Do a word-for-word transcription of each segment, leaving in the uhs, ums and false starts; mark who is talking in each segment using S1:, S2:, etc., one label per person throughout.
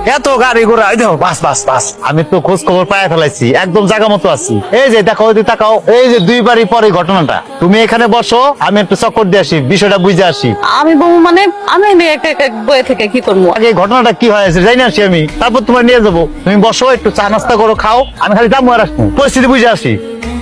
S1: এত গাড়ি ঘোড়া দেখো বাস বাস বাস আমি তো খোঁজ খবর পায় ফেলাইছি, একদম জায়গা মতো আছি। এই যে দেখো ওই তাকাও, এই যে দুই বাড়ি পরে ঘটনাটা, তুমি এখানে বসো, আমি একটু চক্কর দিয়ে আসি, বিষয়টা বুঝে আসি।
S2: আমি বউ মানে আমি বয়ে থেকে কি করবো?
S1: আগে ঘটনাটা কি হয়েছে জানি আসি আমি, তারপর তোমার নিয়ে যাবো। তুমি বসো, একটু চা নাস্তা করো, খাও, আমি খালি যাবো আর আসবো, পরিস্থিতি বুঝে আসি।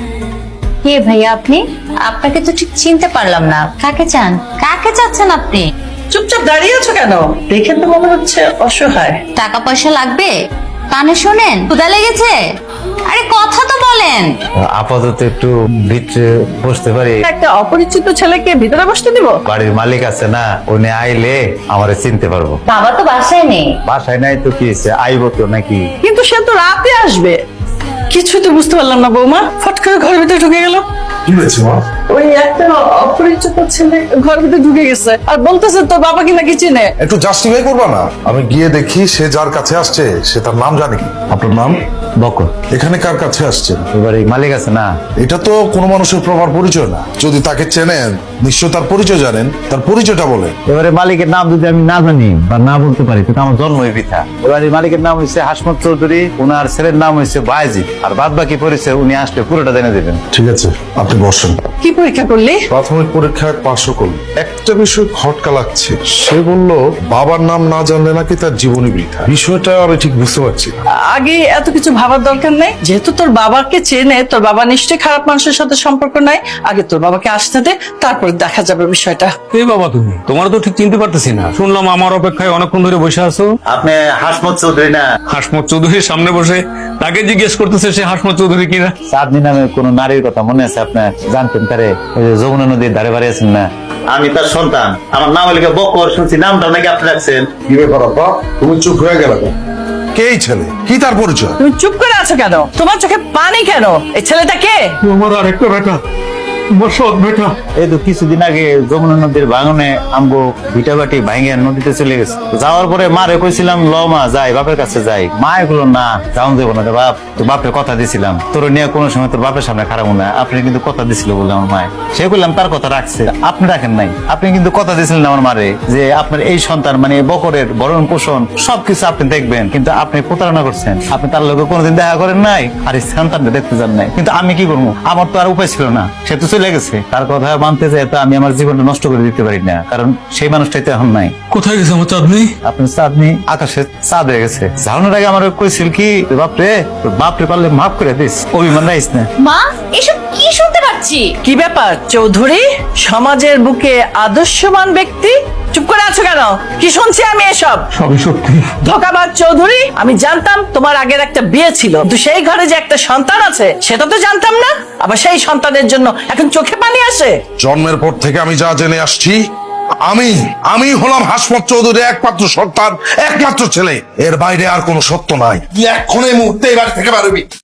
S3: কে ভাইয়া আপনি? আপনাকে তো ঠিক চিনতে পারলাম না। কাকে চান? কাকে চাচ্ছেন আপনি?
S2: চুপচাপ দাঁড়িয়ে আছো কেন? দেখে তো মনে হচ্ছে অসহায়।
S3: টাকা পয়সা লাগবে? কানে শোনেন, ক্ষুধা লেগেছে? আরে কথা তো বলেন।
S1: আপাতত একটু ভিতরে বসতে পারি?
S2: একটা অপরিচিত ছেলেকে ভিতরে বসতে দিব?
S1: বাড়ির মালিক আছে না, উনি আইলে আমারে চিনতে পারবো।
S3: বাবা তো বাসায় নেই।
S1: বাসায় নাই তো কি হয়েছে, আইবো তো নাকি?
S2: কিন্তু সে তো রাতে আসবে। কিছুই তো বুঝতে পারলাম না বৌমা, ফট করে ঘরের ভিতরে ঢুকে গেল।
S4: কি হয়েছে মা?
S2: ওই একটা অপরিচিত ছেলে ঘরের ভিতরে ঢুকে গেছে আর বলতেছে তোর বাবা কি নাকি চিনে।
S4: একটু জাস্টিফাই করবা না? আমি গিয়ে দেখি সে যার কাছে আসছে সে তার নাম জানে কি। আপনার নাম?
S1: বকর।
S4: এখানে কার কাছে আসছেন?
S1: এবারে মালিক আছে না,
S4: এটা তো কোনো মানুষের প্রপার পরিচয় না। যদি তাকে চেনেন নিশ্চয় তার পরিচয় জানেন, তার পরিচয়টা বলেন।
S1: এবারে মালিকের নাম যদি আমি না জানি বা না বলতে পারি তো আমার জন্মই বৃথা। এবারে মালিকের নাম হচ্ছে হাসমত চৌধুরী, ওনার ছেলের নাম হচ্ছে বায়েজিদ, আর বাদ বাকি পরিচয় উনি আসলে পুরোটা জেনে দেবেন।
S4: ঠিক আছে, আপনি বসেন।
S2: কি পরীক্ষা করলি?
S4: প্রাথমিক পরীক্ষায় পাশও করল। একটা বিষয় খটকা লাগছে, সে বলল বাবার নাম না জানলে নাকি তার জীবনী বৃথা। বিষয়টা আমি ঠিক বুঝতে পারছি না।
S2: আগে এত কিছু ভাবার দরকার নেই, যেহেতু তোর বাবাকে চেনে, তোর বাবা নিশ্চয়ই খারাপ মানুষের সাথে সম্পর্ক নাই। আগে তোর বাবাকে আসতে দে, তারপর দেখা যাবে বিষয়টা।
S5: এই বাবা তুমি, তোমার তো ঠিক চিনতে পারতেছি না। শুনলাম আমার অপেক্ষায় অনেকক্ষণ ধরে বসে আছো।
S1: আপনি হাসমত চৌধুরী না?
S5: হাসমত চৌধুরীর সামনে বসে তাকে জিজ্ঞেস করতেছে সে হাসমত চৌধুরী কিনা।
S1: চাঁদনি নামে কোন নারীর কথা মনে আছে আপনার? জানতেন তারে? ওই যে যমুনা নদীর ধারে বাড়ি আছেন না? আমি তার সন্তান, আমার নাম হলে বকর, শুনছি নামটা নাকি আপনি রাখছেন।
S4: কি ব্যাপার আব্বা, তুমি চুপ হয়ে গেল কেন? কে এই ছেলে, কি তার পরিচয়?
S2: তুমি চুপ করে আছো কেন? তোমার চোখে পানি কেন? এই ছেলেটা কে?
S5: আমার আরেকটা বেটা, আমার সৎ বেটা।
S1: এই তো কিছুদিন আগে যমুনা নদীর ভাঙনে আমগো ভিটা বাটি ভাঙে নদীতে চলে গেছে। যাওয়ার পরে মারে কইছিলাম ল মা যাই, বাপের কাছে যাই। মা এগুলো না, যাও দেবো না রে বাপ, তো বাপের কথা দিছিলাম তোর নিয়ে কোনো সময় তোর বাপের সামনে খারাপ না। আপনি কিন্তু কথা দিছিল বলে আমার মায়, সে বললাম তার কথা রাখছে, আপনি রাখেন নাই। আপনি কিন্তু কথা দিয়েছিলেন আমার মারে যে আপনার এই সন্তান মানে বকরের ভরণ পোষণ সবকিছু আপনি দেখবেন, কিন্তু আপনি প্রতারণা করছেন। আপনি তার লোকে কোনোদিন দেখা করেন নাই, আর এই সন্তানটা দেখতে যান নাই। কিন্তু আমি কি করবো, আমার তো আর উপায় ছিল না, সে তো চলে গেছে। তার কথা মানতে চাই তো আমি আমার জীবনটা নষ্ট করে দিতে পারি না, কারণ সেই মানুষটাই তো এখন নাই।
S5: কোথায় গেছে আমার চাঁদনি?
S1: আপনার চাঁদনি আকাশে চাঁদ হয়ে গেছে। ঝাউনের আগে আমার কইছিল কি, বাপরে তোর বাপরে পারলে মাফ করে দিস, অভিমান রাইস না।
S3: মা, এসব কি শুনতে পাচ্ছি?
S2: কি ব্যাপার চৌধুরী? সমাজের বুকে আদর্শবান ব্যক্তি, চুপ করে আছো কেন? কি শুনছি আমি এসব?
S5: সবই সত্যি।
S2: ধোকাবাজ চৌধুরী, আমি জানতাম তোমার আগের একটা বিয়ে ছিল, কিন্তু সেই ঘরে যে একটা সন্তান আছে সেটা তো জানতাম না। আবার সেই সন্তানের জন্য এখন চোখে পানি আসে।
S4: জন্মের পর থেকে আমি যা জেনে আসছি, আমি আমি হলাম হাসমত চৌধুরীর একমাত্র সন্তান, একমাত্র ছেলে। এর বাইরে আর কোনো সত্য নাই। তুই এক্ষুনি এই মুহূর্তে এই বাড়ি থেকে বেরোবি।